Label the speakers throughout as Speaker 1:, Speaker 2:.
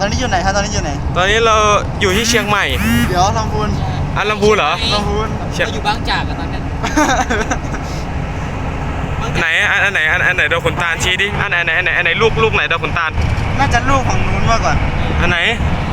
Speaker 1: อนนี้อยู่ไหนครับตอนนี้อยู่ไหน
Speaker 2: ตอนนี้เราอยู่ที่เชียงใหม่
Speaker 1: เดี๋ยวลำพูน
Speaker 2: ลำพูนเหรอ
Speaker 1: ลำพูน
Speaker 3: เราอยู่บางจากกันตอนนั้น
Speaker 2: ไหนอันไหนดอกขุนตาลชี้ดิอันไหนลูกไหนดอกขุนตาล
Speaker 1: น่าจะลูกของนู้นมากกว่า
Speaker 2: อันไหน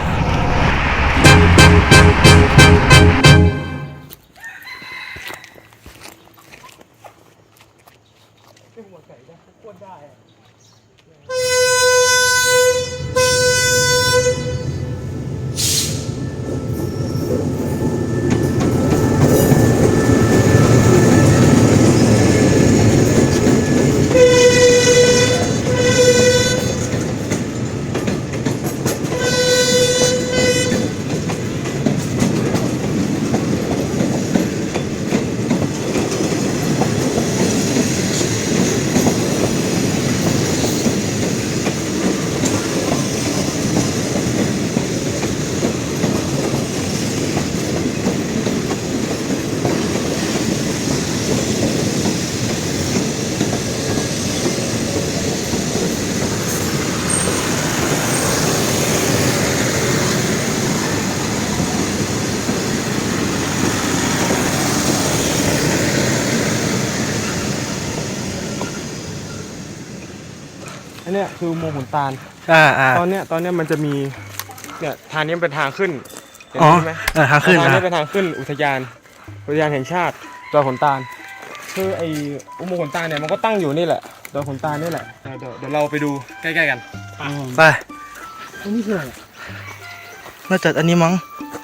Speaker 2: อันเนี้ยคืออุโมงค์ขุนตาลตอนเนี้ยมันจะมีเนี่ยทางนี้เป็นทางขึ้นเห็นไหม
Speaker 1: ทางขึ้น
Speaker 2: ทางนี้เป็นทางขึ้นอุทยานแห่งชาติดอยขุนตาลคือไออุโมงค์ขุนตาลเนี่ยมันก็ตั้งอยู่นี่แหละดอยขุนตาลนี่แหละเดี๋ยวเราไปดูใกล้ๆกัน
Speaker 1: ไป
Speaker 3: อันนี้คืออะไร
Speaker 1: น่าจะอันนี้มั้ง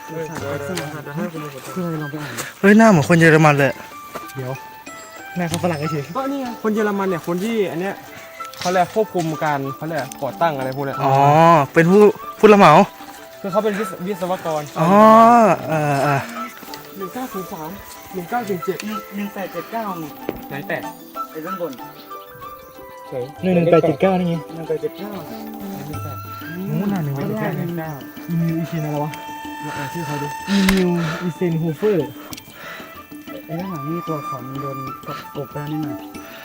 Speaker 3: คืออะไรลองไปอ่าน
Speaker 1: เฮ้ยหน้าเหมือนคนเยอรมันเลย
Speaker 3: เดี๋ยวแม่เขาฝรั่งเฉย
Speaker 2: ก็นี่คนเยอรมันเนี่ยคนที่อันเนี้ยเขาเรียกควบคุมการเขาเรียกก่อตั้งอะไรพวกเนี้ย
Speaker 1: อ๋อเป็นผู้รับเหมา
Speaker 2: คือเขาเป็นวิศวกร
Speaker 1: อ๋อ
Speaker 2: 1903 1977
Speaker 1: 1879
Speaker 2: ไหนแต่
Speaker 1: ไอ้ด้านบน
Speaker 3: 1879นี่ไง
Speaker 1: 1879
Speaker 3: นู้นน่ะ1879มีอีชินอะไรวะชื่อเขาดินิวอีเซนโฮเฟอร์ไอ้ด้านหลังนี่ตัวของโดนกบไปนิดหน่อย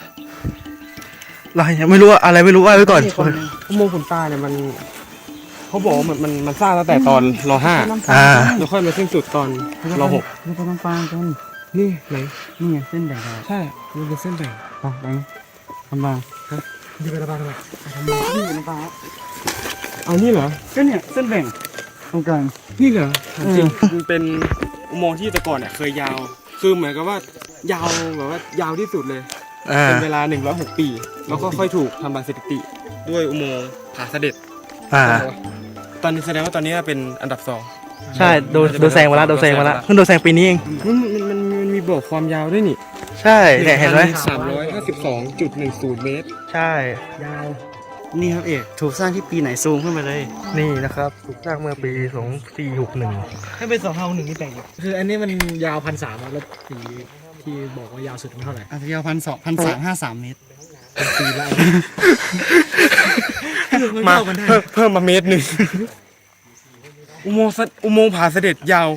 Speaker 1: เรายังไม่รู้อะไรไม่รู้ว่าไว้ก่อน
Speaker 2: อุโมงค์ขุนตาลเนี่ยมันเขาบอกว่ามันสร้างตั้งแต่ตอนร.5แล้วค่อยมาสิ้นสุดตอนร.6
Speaker 3: นี่เป็นน้ำปลากัน
Speaker 2: นี่ไหน
Speaker 3: นี่ไงเส้นแบ่ง
Speaker 2: ใช่นี่เป็นเส้นแบ่ง
Speaker 3: ไปน้ำปลาดีไปน้ำปลาทำไมนี่เป็นน้ำปลา
Speaker 2: เอานี่เหรอ
Speaker 3: ก็เนี่ยเส้นแบ่งตรงกลาง
Speaker 2: นี่เหรอจริงมันเป็นอุโมงค์ที่แต่ก่อนเนี่ยเคยยาวคือเหมือนกับว่ายาวแบบว่ายาวที่สุดเลยเป็นเวลา106 ปีแล้วก็ค่อยถูกทำลายสถิติด้วยอุโมงค์ผาเสด็จตอนนี้แสดงว่าตอนนี้เป็นอันดับ2
Speaker 1: ใช่โดนแซงมาแล้วเพิ่งโดนแซงปีนี้เอง
Speaker 2: มันมีบอกความยาวด้วยนี่
Speaker 1: ใช่เห็นไหม
Speaker 2: 352.10 เมตร
Speaker 1: ใช่
Speaker 3: ยาวนี่ครับเอกถูกสร้างที่ปีไหนซูมขึ้นไปเลย
Speaker 1: นี่นะครับถูกสร้างเมื่อปี2461
Speaker 3: ให้เป็น2,561นี่แปลกคืออันนี้มันยาว1,300แล้วปีที่บอกว่ายาวสุดมันเท่าไหร่ยาว1,353 เมตรปีละ
Speaker 2: มาเพิ่มมาเมตรหนึ่งอุโมงค์ผาเสด็จยาว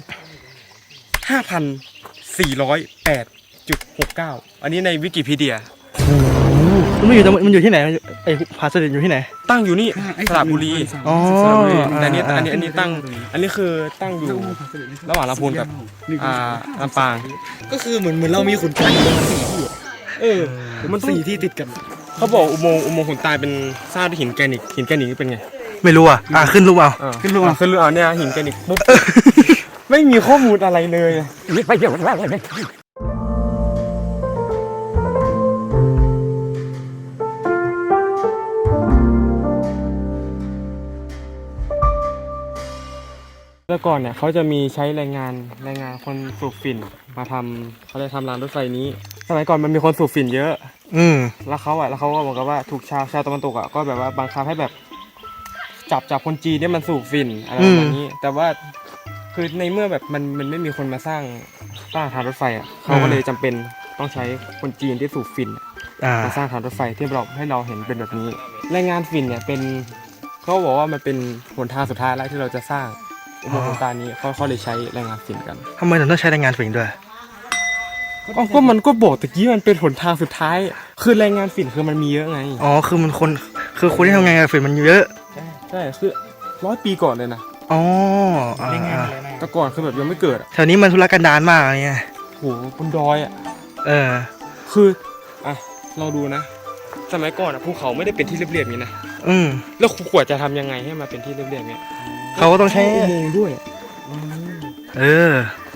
Speaker 2: 5,408.69 อันนี้ในวิกิพีเดีย
Speaker 1: มันอยู่ที่ไหนไอ้ผาเสด็จอยู่ที่ไหน
Speaker 2: ตั้งอยู่นี่สระบุรีแต่อันนี้ตั้งอันนี้คือตั้งอยู่ระหว่างลำพูนกับลำปาง
Speaker 3: ก็คือเหมือนเรามีขุนตาลมัน4 ที่ติดกัน
Speaker 2: เขาบอกอุโมงค์ขุนตาลเป็นสร้างด้วยหินแกรนิตเป็นไง
Speaker 1: ไม่รู้ขึ้นรูปเอา
Speaker 2: เนี่ยหินแกรนิตปุ๊บไม่มีข้อมูลอะไรเลยแต่ก่อนเนี่ยเขาจะมีใช้แรงงานคนสูบฝิ่นมาทำเขาเลยทำรางรถไฟนี้สมัยก่อนมันมีคนสูบฝิ่นเยอะแล้วเขาก็บอกกันว่าถูกชาวตะวันตกก็แบบว่าบังคับให้แบบจับคนจีนเนี่ยมันสูบฝิ่นอะไรแบบนี้แต่ว่าคือในเมื่อแบบมันไม่มีคนมาสร้างทางรถไฟเขาก็เลยจำเป็นต้องใช้คนจีนที่สูบฝิ่นมาสร้างทางรถไฟที่เราให้เราเห็นเป็นแบบนี้แรงงานฝิ่นเนี่ยเป็นเขาบอกว่ามันเป็นหนทางสุดท้ายแล้วที่เราจะสร้างอุโมงค์ขุนตาลนี้เขาเลยใช้แรงงานฝิ่นกัน
Speaker 1: ทำไมถึงต้องใช้แรงงานฝิ่นด้วย
Speaker 2: ก็มันก็บอกตะกี้มันเป็นหนทางสุดท้ายคือแรงงานฝิ่นคือมันมีเยอะไง
Speaker 1: คือคนที่ทำงานกับฝิ่นมันเยอะ
Speaker 2: ใช่คือ 100 ปีก่อนเลยนะ
Speaker 1: อ๋อ
Speaker 3: ได้ง่ายเลยนะ
Speaker 2: แต่ก่อนคือแบบยังไม่เกิดอะ
Speaker 1: แถวนี้มันทุรกันดารมากเนี่ย
Speaker 2: โหบนดอยอ่ะ
Speaker 1: เออ
Speaker 2: คืออ่ะเราดูนะ สมัยก่อนอ่ะภูเขาไม่ได้เป็นที่เรียบๆอย่างนี้นะ
Speaker 1: อืม
Speaker 2: แล้วขวดจะทำยังไงให้มาเป็นที่เรียบๆอย่างเงี้ย
Speaker 1: เขาก็ต้องใช้
Speaker 2: อุโมงค์ด้วย
Speaker 1: เออ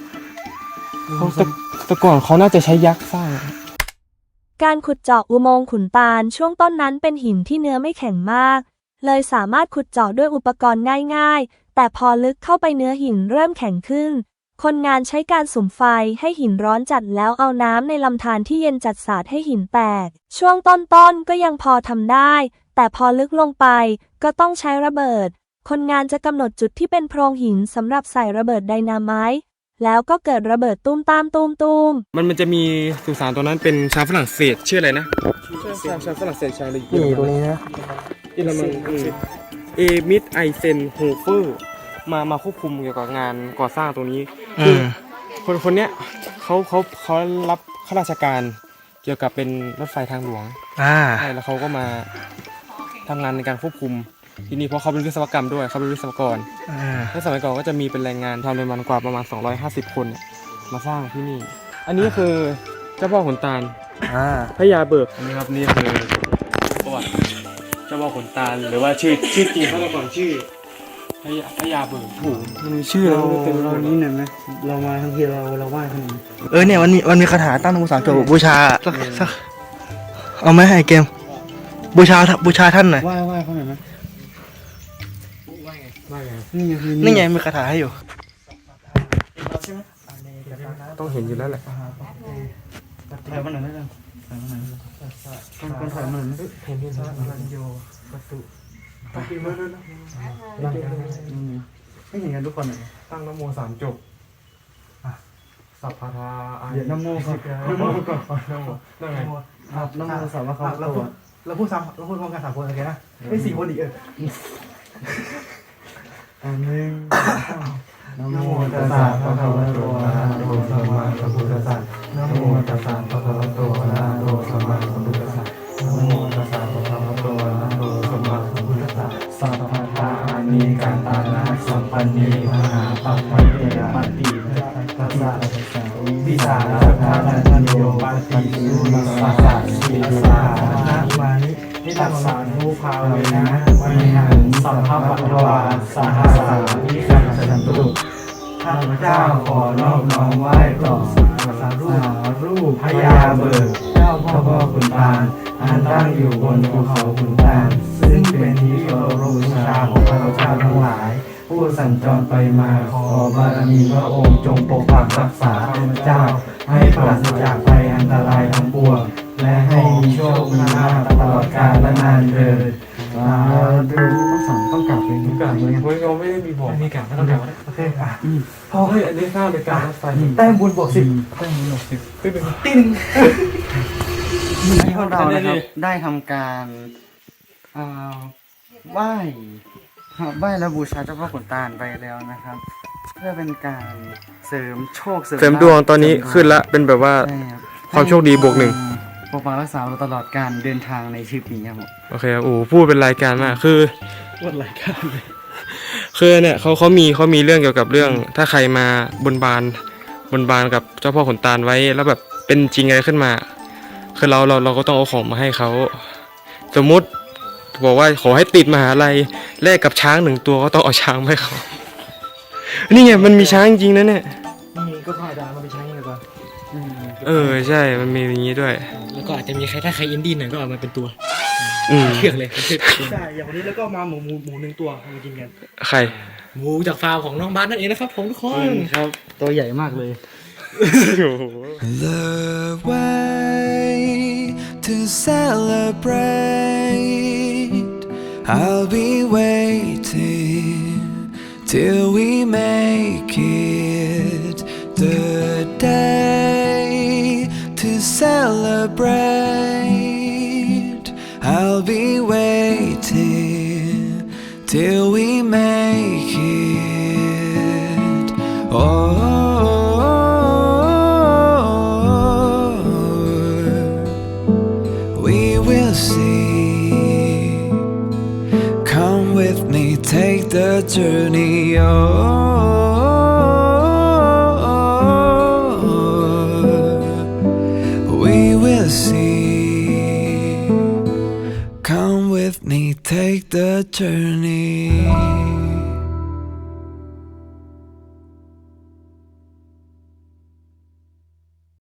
Speaker 2: แต่ก่อนเขาน่าจะใช้ยักษ์สร้าง
Speaker 4: การขุดเจาะอุโมงค์ขุนตาลช่วงต้นนั้นเป็นหินที่เนื้อไม่แข็งมาก เลยสามารถขุดเจาะด้วยอุปกรณ์ง่ายๆ แต่พอลึกเข้าไปเนื้อหินเริ่มแข็งขึ้น คนงานใช้การสุมไฟให้หินร้อนจัดแล้วเอาน้ำในลำธารที่เย็นจัดสาดให้หินแตก ช่วงต้นๆก็ยังพอทำได้ แต่พอลึกลงไปก็ต้องใช้ระเบิด คนงานจะกำหนดจุดที่เป็นโพรงหินสำหรับใส่ระเบิดไดนาไมต์แล้วก็เกิดระเบิดตุ้มตามตูม
Speaker 2: มันจะมีสุสานตัวนั้นเป็นชาวฝรั่งเศสชื่ออะไรนะชาวฝรั่งเศสชาวอะไร
Speaker 1: นี่ตรงนี้นะ
Speaker 2: เยอรมันเอมิดไอเซนโฮเฟอร์มาควบคุมเกี่ยวกับงานก่อสร้างตรงนี้
Speaker 1: อืม
Speaker 2: คนเนี้ยเขารับข้าราชการเกี่ยวกับเป็นรถไฟทางหลวง
Speaker 1: อ่า
Speaker 2: ใช่แล้วเขาก็มาทำงานในการควบคุมที่นี่เพราะเขาเป็นวิศวกรรมด้วยเขาเป็นวิศวกร
Speaker 1: อ่า
Speaker 2: ในสมัยก่อนก็จะมีเป็นแรงงานทำเลยมันกว่าประมาณ250 คนเนี่ยมาสร้างที่นี่ อันนี้คือเจ้าพ่อขุนตาล
Speaker 1: อ่า
Speaker 2: พญาเบิกนี่ครับนี่คือประวัติเจ้าพ่อขุนตาลหรือว่าชื่อจริงเขาแต่ก่อนชื่อพญาเบิกโอ้โหมันมีชื่อ
Speaker 3: เรา
Speaker 2: แล้วเต็มไปหมด
Speaker 3: นี้หน่อยไหมเรามาทั้งทีเราไหว้ขนาดนี้
Speaker 1: เออเนี่ยมันมีคาถาตั้งองค์สามจบบูชาสักเอาไหมไอ้เกม บูชาท่านหน่อย
Speaker 3: ไหว้เขาหน่อยไหม
Speaker 2: ว่าไง
Speaker 3: นี่ไงคือ
Speaker 1: นี่ไงมีคาถาให้อยู่
Speaker 2: ต้องเห็นอยู่แล้วแหละ
Speaker 3: ถอยมาหน่อยได้ไหมถอยมาหน่อยคนถอยมาหน่อยไหม
Speaker 2: เห็นที่แล้ว
Speaker 3: โยประตูตั้งไม่เห็นกันทุกคนเลย
Speaker 2: ตั้งนโม3 จบสัพพะทาอา
Speaker 3: เดี๋ยวน้ำโมก่อน
Speaker 2: นโมก่อนนโมนั่นไง
Speaker 3: น้ำโมสามว่าเขาเราพูดพร้อมกัน3 คนโอเคนะไม่4 คนอีกอันหนึ่งนะโมตัสสะภะคะวะโตอะระหะโตสัมมาสัมพุทธัสสะนะโมตัสสะภะคะวะโตอะระหะโตสัมมาสัมพุทธัสสะนะโมตัสสะภะคะวะโตอะระหะโตสัมมาสัมพุทธัสสะสัพพะทานิกันตานะสัมปันนีมหาปัปปะเตปัตติตัสสะวิสาสัทธานันโยปัตติสุมัสสะสีสานะมานิตัสสะนุภาเวนะวิหังสัพพะปัตตวาสหสาวิคันสันตุข้าพเจ้าขอนอบน้อมไหว้ต่อสารูปพญาเบิกเจ้าพ่อขุนตาลอันตั้งอยู่บนภูเขาขุนตาลซึ่งเป็นที่เคารพบูชาของข้าพเจ้าทั้งหลาย ผู้สัญจรไปมาขอบารมีพระองค์จงปกปักรักษาข้าพเจ้า ให้ปราศจากภัยอันตรายทั้งปวงและให้มีโชคมีลาภตลอดกาลและนานเถิดสาธุต้องกลับเป็นทุกการเลย
Speaker 2: เฮ้ยเขาไม่ได้มีบอก
Speaker 3: มีการต้องกลับโอเค
Speaker 2: พอเฮ้ยอันนี้สร้างเป็นการรถไฟ
Speaker 3: แต้มบุญบวก10แต้มบุญบวก10ติ้งพวกเรานะครับได้ทำการไหว้และบูชาเจ้าพ่อขุนตาลไปแล้วนะครับ เพื่อเป็นการเสริมโชค
Speaker 2: เสริมดวงตอนนี้ขึ้นละเป็นแบบว่า
Speaker 3: ใช่ครับ
Speaker 2: ความโชคดีบวก 1
Speaker 3: ปกปักรักษาเราตลอดการเดินทางในชีวิตนี้ครับผม
Speaker 2: โอเคโอ้พูดเป็นรายการมากคือ
Speaker 1: วัดรายการเลย
Speaker 2: คือเนี่ยเขามีเรื่องเกี่ยวกับเรื่อง ถ้าใครมาบนบานกับเจ้าพ่อขุนตาลไว้แล้วแบบเป็นจริงอะไรขึ้นมา คือเราก็ต้องเอาของมาให้เขาสมมุติบอกว่าขอให้ติดมหาลัยแลกกับช้าง1 ตัวก็ต้องเอาช้างมาให้เขานี่ไงมันมีช้างจริงนะเนี่ย
Speaker 1: นี่ก็พาดามาไปใช้กันก่อน
Speaker 2: ใช่มันมีอย่างนี้ด้วย
Speaker 1: แล้วก็อาจจะมีใครถ้าใครอินดี้หน่อยก็เอามาเป็นตัว
Speaker 2: เชื
Speaker 1: อกเลยใช่อย่างวันนี้แล้วก็มาหมู1 ตัวเอามากินกัน
Speaker 2: ใคร
Speaker 1: หมูจากฟาร์มของน้องบ้านนั่นเองนะครับผมทุกคนครับตัวใหญ่มากเลย
Speaker 5: The way to celebrate, I'll be waiting till we make it the day to celebrate. I'll be waiting till we make it. We will see. Come with me, take the journey. Oh, we will see. Come with me, take the journey.